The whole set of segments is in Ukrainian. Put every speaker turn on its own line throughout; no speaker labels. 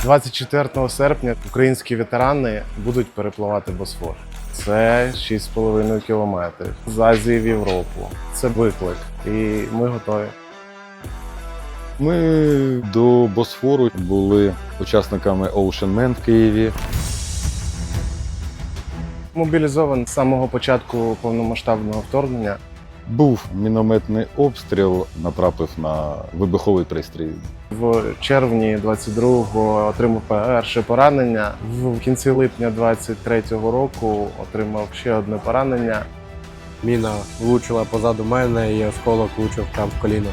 24 серпня українські ветерани будуть перепливати Босфор. Це 6,5 кілометрів з Азії в Європу. Це виклик, і ми готові.
Ми до Босфору були учасниками Ocean Man в Києві.
Мобілізований з самого початку повномасштабного вторгнення.
Був мінометний обстріл, натрапив на вибуховий пристрій.
В червні 22-го отримав перше поранення. В кінці липня 23-го року отримав ще одне поранення.
Міна влучила позаду мене і осколок влучив прямо в коліно.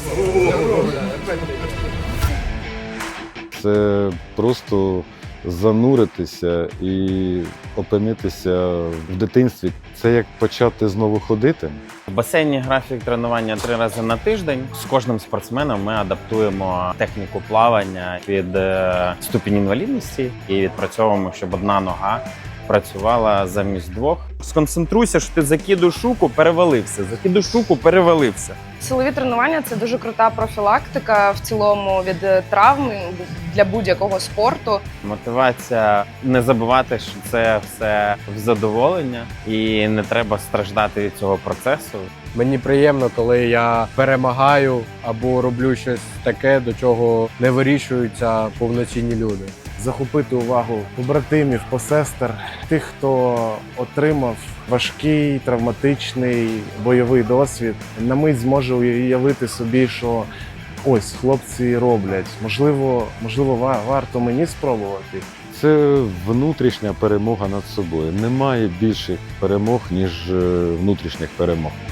Це просто зануритися і опинитися в дитинстві. Це як почати знову ходити.
В басейні графік тренування 3 рази на тиждень. З кожним спортсменом ми адаптуємо техніку плавання під ступінь інвалідності і відпрацьовуємо, щоб одна нога працювала замість двох. Сконцентруйся, що ти закидуєш шуку, перевалився, закидуєш шуку, перевалився.
Силові тренування – це дуже крута профілактика в цілому від травм для будь-якого спорту.
Мотивація не забувати, що це все в задоволення і не треба страждати від цього процесу.
Мені приємно, коли я перемагаю або роблю щось таке, до чого не вирішуються повноцінні люди.
Захопити увагу побратимів, посестер, тих, хто отримав важкий, травматичний бойовий досвід. На мить зможе уявити собі, що ось хлопці роблять. Можливо, варто мені спробувати.
Це внутрішня перемога над собою. Немає більших перемог, ніж внутрішніх перемог.